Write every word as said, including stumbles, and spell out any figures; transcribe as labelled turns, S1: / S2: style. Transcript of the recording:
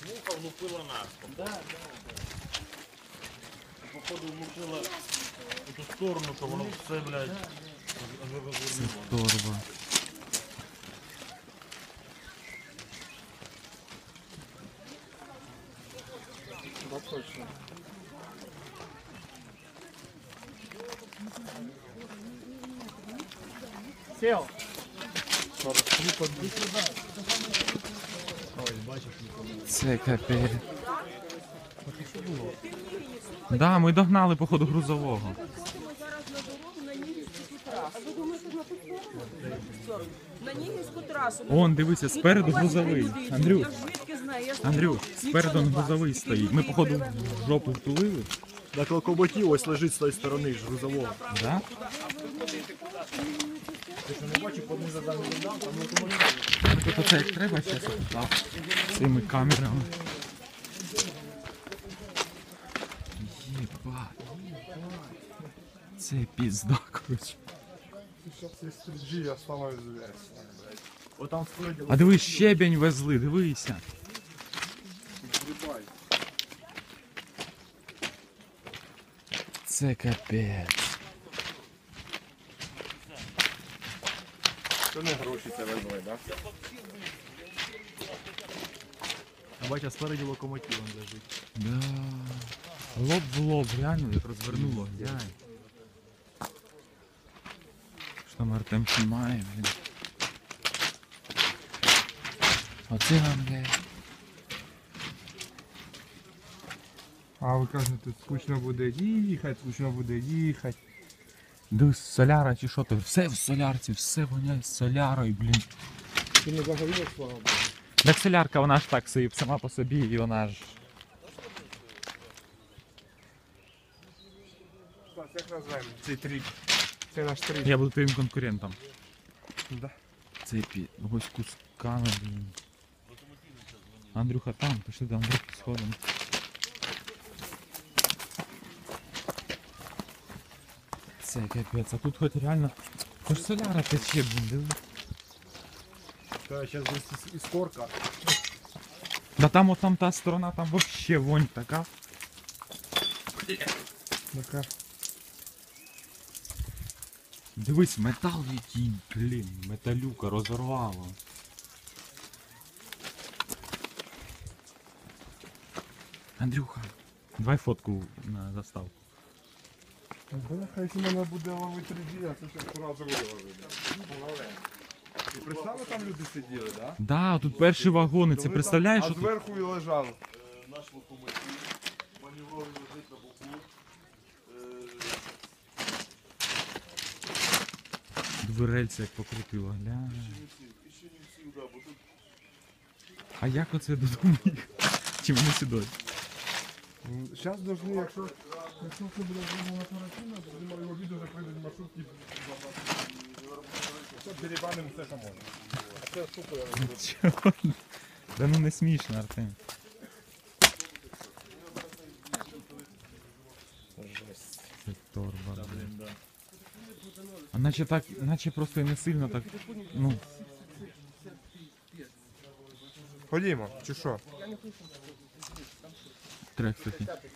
S1: Муха влупила нас. Да, да, да. Походу влупила в ту сторону, що воно все, блядь,
S2: Це торба.
S3: Да, точно. Сел.
S2: Це капець. Да, ми догнали, походу, грузового.
S4: Зараз на дорогу на Нігівську трасу. Ви думаєте, на ту сторону? На Нігівську трасу.
S2: Он, дивися, спереду грузовий. Андрюх,
S4: Я звідки знаю? Я ж
S2: Андрюх,
S4: нічого
S2: спереду
S4: не
S2: он
S4: бачу.
S2: грузовий стоїть. Ми, походу, в жопу втулили.
S3: Так локомотив ось лежить з тої сторони ж грузового.
S2: Да?
S3: Ти що не бачив, подни задам не дам, там локомотив.
S2: Тут оце як треба зараз так, цими камерами. Єба. Це пізда, коротше.
S3: Сейчас стрижи, я сломаю зверь. Вот там спереді
S2: А дивись, щебень везли, дивися.
S3: грибай.
S2: Це капець.
S3: Це не гроші це везли, да? А бача, спереді локомотив он лежить.
S2: Да. Лоб в лоб, реально, як розвернуло, глянь. Що там Артем знімає, блін. Оце вам, блядь.
S5: А ви кажете, скучно буде їхати, скучно буде їхати.
S2: Дивись, соляра чи що то, все в солярці, все воняє солярою, блін.
S3: Ти не загоріло, слава Богу.
S2: Так солярка, вона ж так собі сама по собі, і вона ж...
S5: Так, як називаємо цей тріп? Це наш тріп.
S2: Я буду твоїм конкурентом.
S5: Да.
S2: Це пі... ось кусками, блін. Андрюха там, пішли до Андрюхи сходимо. Це капець, а тут хоч реально... Хоч соляра тече, блін, диви.
S3: Та зараз десь іскорка.
S2: Да там от там та сторона, там вообще вонь така.
S5: Ну-ка.
S2: Дивись, метал який, блін, металюка розорвало. Андрюха, давай фотку на заставку.
S5: Бляха, якщо мене буде ловити тріп, я це ще одразу виложу. І представили, там люди сиділи, да?
S2: Да, тут перші вагони, це представляєш?
S5: А
S2: що тут?
S5: зверху і лежали.
S1: Наш локомотив, маневровий лежить на боку.
S2: Дверельце як покрутило, гля.
S1: І ще не всі, да, бо тут
S2: А як оце додому їхати? Чи вони сюди?
S5: Зараз должны, якщо... Якщо це буде зроблено оперативно, то знімали його відео, вже прийдуть маршрутки. Все, дерибанимо все, що можна. А це штука, я розумію.
S2: Чого? Да ну не смішно, Артем. Це торба, блін. А наче так, наче просто і не сильно так, ну,
S5: Ходімо, чи що?
S2: трек такий.